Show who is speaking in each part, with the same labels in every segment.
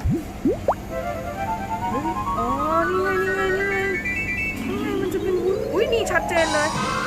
Speaker 1: อ๋อนี่ไงมันจะเป็นวุ้นอุ้ยนี่ชัดเจนเลย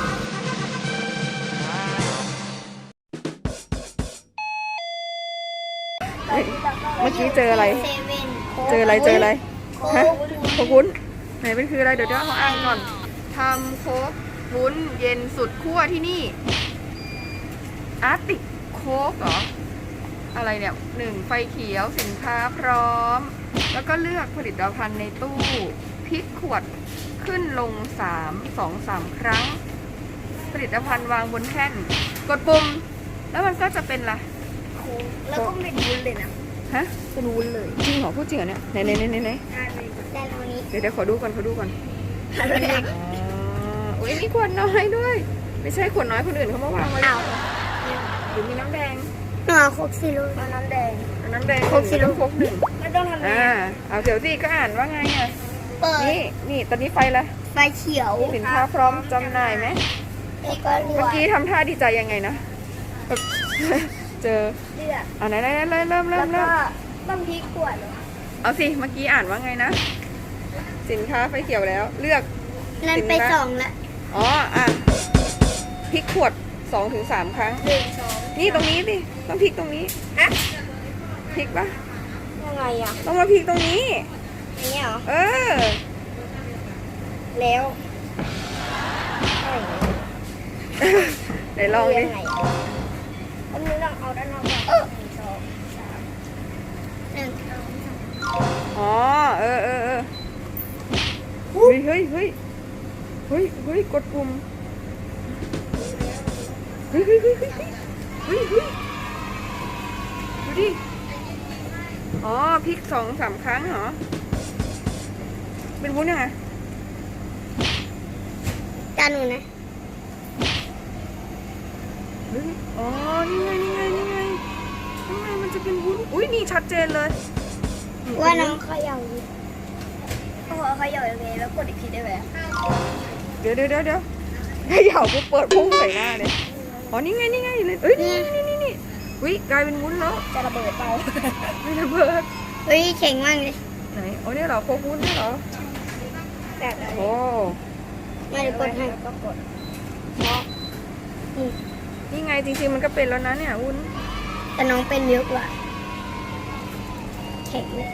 Speaker 1: เมื่อกี้เจออะไร เจออะไรฮะโค้กวุ้นไหนเป็นคืออะไรเดี๋ยวเขาอ่านก่อนทำโค้กวุ้นเย็นสุดขั้วที่นี่อาร์ติกโค้กเหรออะไรเนี่ย1ไฟเขียวสินค้าพร้อมแล้วก็เลือกผลิตภัณฑ์ในตู้พลิกขวดขึ้นลง2-3 ครั้งผลิตภัณฑ์วางบนแท่นกดปุ่มแล้วมันก็จะเป็นอะไร
Speaker 2: แล้วก็เป็นวุ้นเลยนะ
Speaker 1: ฮะ
Speaker 2: เป็นวุ้นเลย
Speaker 1: จริงเหรอพูดจริงเหรอเนี่ยไหน
Speaker 2: ได้ตรงนี้
Speaker 1: เดี๋ยวขอดูก่อนอุ้ยมีขวดน้อยด้วย ไม่ใช่ขวดน้อยคนอื่นเขามาวางไว้หรือมีน้ำแดง
Speaker 2: หนูโคกซีโร่น้ำแดง
Speaker 1: โค้กซีโร่โค้กหนึ่ง
Speaker 2: ไม่ต้องทำอะไร
Speaker 1: เอาเดี๋ยวสิก็อ่านว่าไงอ่ะ
Speaker 2: เปิด
Speaker 1: นี่ตอนนี้ไฟละ
Speaker 2: ไฟเขียว
Speaker 1: สินค้าพร้อมจำหน่ายไหม
Speaker 2: แล้วก็เลื
Speaker 1: เมื่
Speaker 2: อ
Speaker 1: อก กี้ทำท่าดีใจยังไงนะแบบ เจอ
Speaker 2: เลือก
Speaker 1: ไหนเริ่ม
Speaker 2: แล้วก็ต้องพลิกขวดเหรอ
Speaker 1: เอาสิเมื่อกี้อ่านว่าไงนะสินค้าไฟเขียวแล้วเลือก
Speaker 2: นั่นไป2ละ
Speaker 1: อ๋อพลิกขวด2-3 ครั้ง
Speaker 2: 1 2
Speaker 1: นี่ตรงนี้สิต้องพลิกตรงนี้
Speaker 2: อะ
Speaker 1: พลิกปะ
Speaker 2: ยังไงอ่ะ
Speaker 1: ต้องมาพลิกตรงนี้
Speaker 2: อย่างเงี้ยเหรอ
Speaker 1: เออ
Speaker 2: แล้ว
Speaker 1: ไหนลองดิ
Speaker 2: ยังไงอันนี้ต้องเอาด้านนอกก่อน1 2 3 1 2
Speaker 1: อ๋อเออเฮ้ยกดปุ่มเฮ้ยดูดิอ๋อพลิก2-3 ครั้งเหรอเป็นวุ้นยังไง
Speaker 2: จานหนูนะ
Speaker 1: อ๋อนี่ไงมันจะเป็นวุ้นอุ้ยนี่ชัดเจนเลย
Speaker 2: ว่าน้องเขย่าดิเขย่ายังไงแล้วกดอีกทีได้ไหม
Speaker 1: เดี๋ยวให้เหยาปุ๊บเปิดพุ่งใส่หน้าเลยอ๋อนี่ไงเลยเอ้ยนี่อุ้ยกลายเป็นวุ้นแล้ว
Speaker 2: จะระเบิดเปล่า
Speaker 1: ไม่ระเบิด
Speaker 2: เฮ้ยเข่งมากเลย
Speaker 1: ไหนอ๋อเนี่ยเหรอโคกวุ้นเนี่ยเหรอ
Speaker 2: แบบ
Speaker 1: โอ้
Speaker 2: ไม่ได้กดให้ก็กด
Speaker 1: นี่ไงจริงๆมันก็เป็นแล้วนะเนี่ยวุ้น
Speaker 2: แต่น้องเป็นเยอะกว่าแข็งเลย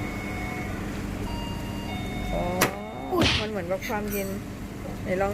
Speaker 1: อ๋อมันเหมือนกับความเย็นไหนลอง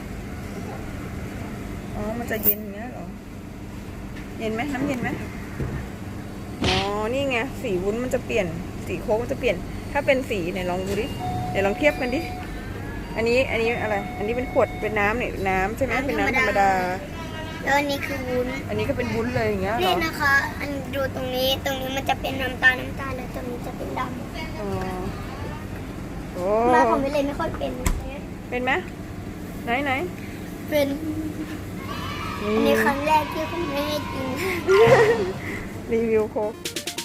Speaker 1: อ๋อมันจะเย็นอย่างเงี้ยเหรอเย็นไหมน้ำเย็นไหมอ๋อนี่ไงสีวุ้นมันจะเปลี่ยนสีโค้กมันจะเปลี่ยนถ้าเป็นสีไหนลองดูดิไหนลองเทียบกันดิอันนี้อะไรอันนี้เป็นขวดเป็นน้ำเนี่ยน้ำใช่ไหมเป็นน้ำธรรมดา
Speaker 2: แล้วอันนี้คือวุ้น
Speaker 1: อันนี้ก็เป็นวุ้นเลยอย่างเงี้ยเหร
Speaker 2: นี่
Speaker 1: อ
Speaker 2: นะคะ อันดูตรงนี้มันจะเป็นน้ำตาลแล้วตรงนี้จะเป็นด
Speaker 1: อ๋อโอ้
Speaker 2: ำมาของวิเลยไม่ค่อยเป็น
Speaker 1: เป็นไหมไหน
Speaker 2: เป็นอันนี้ครั้งแรกที่คุณแม่ให้กิน
Speaker 1: รีวิวโค้ก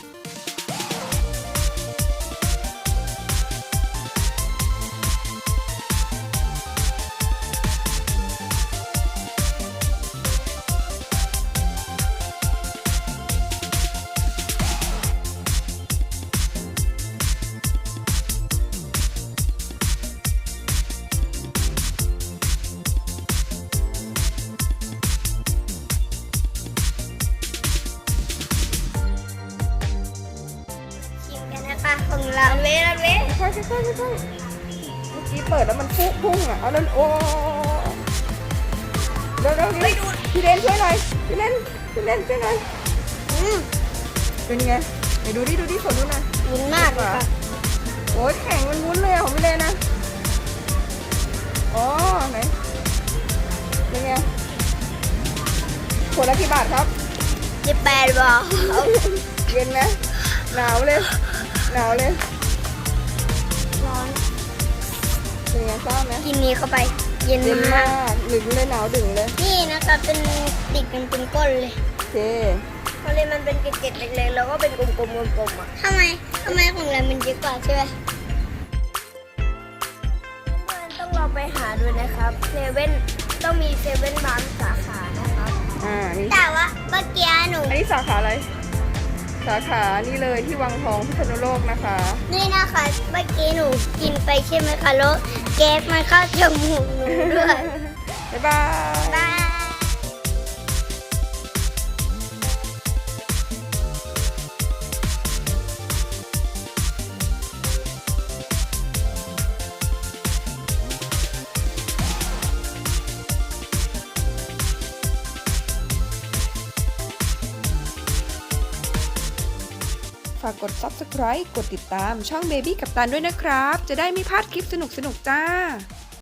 Speaker 2: ชิมกันนะคะของเราเว้ย
Speaker 1: ค่อยๆเมื่อกี้เปิดแล้วมันพุ่งอ่ะเอาแล้วโอ้เร็วพี่เล่นช่วยหน่อยพี่เล่นช่วยหน่อยเป็นไงไหนดูดิขอดูหน่อย
Speaker 2: วุ้นมากเลยค่ะ
Speaker 1: โอ้ยแข็งมันวุ้นเลยของพี่เล่นนะอ๋อไหนเป็นไงขวดละกี่บาทครับ
Speaker 2: 18 บาท
Speaker 1: เย็นไหมหนาวเลย
Speaker 2: ร้อน
Speaker 1: เป็นไงทราบไหม
Speaker 2: กินนี้เข้าไป เย็น
Speaker 1: เย็น
Speaker 2: มาม
Speaker 1: าก กดึงเลยหนาวดึงเลย
Speaker 2: นี่นะคะเป็นติดกันเป็นก้นเลย
Speaker 1: โอเค
Speaker 2: เพราะเลยมันเป็นเกล็ดๆเล็กๆแล้วก็เป็นกลมๆอ่ะทำไมของเรามันเยอะกว่าใช่ไหมเพื่อนต้องลองไปหาดูนะครับเซเว่นต้องมีเซเว่นบางสาขานะครับ
Speaker 1: นี่
Speaker 2: แต่ว่าเมื่อกี้หนู
Speaker 1: อันนี้สาขาอะไรสาขานี่เลยที่วังทองพิษณุโลกนะคะ
Speaker 2: นี่นะคะเมื่อกี้หนูกินไปใช่ไหมคะแล้วแก๊สมันเข้าจมูกหนูด้วย
Speaker 1: บ๊ายบาย
Speaker 2: บาย
Speaker 1: ฝากกด Subscribe กดติดตามช่อง Baby กัปตันด้วยนะครับ จะได้ไม่พลาดคลิปสนุกๆจ้า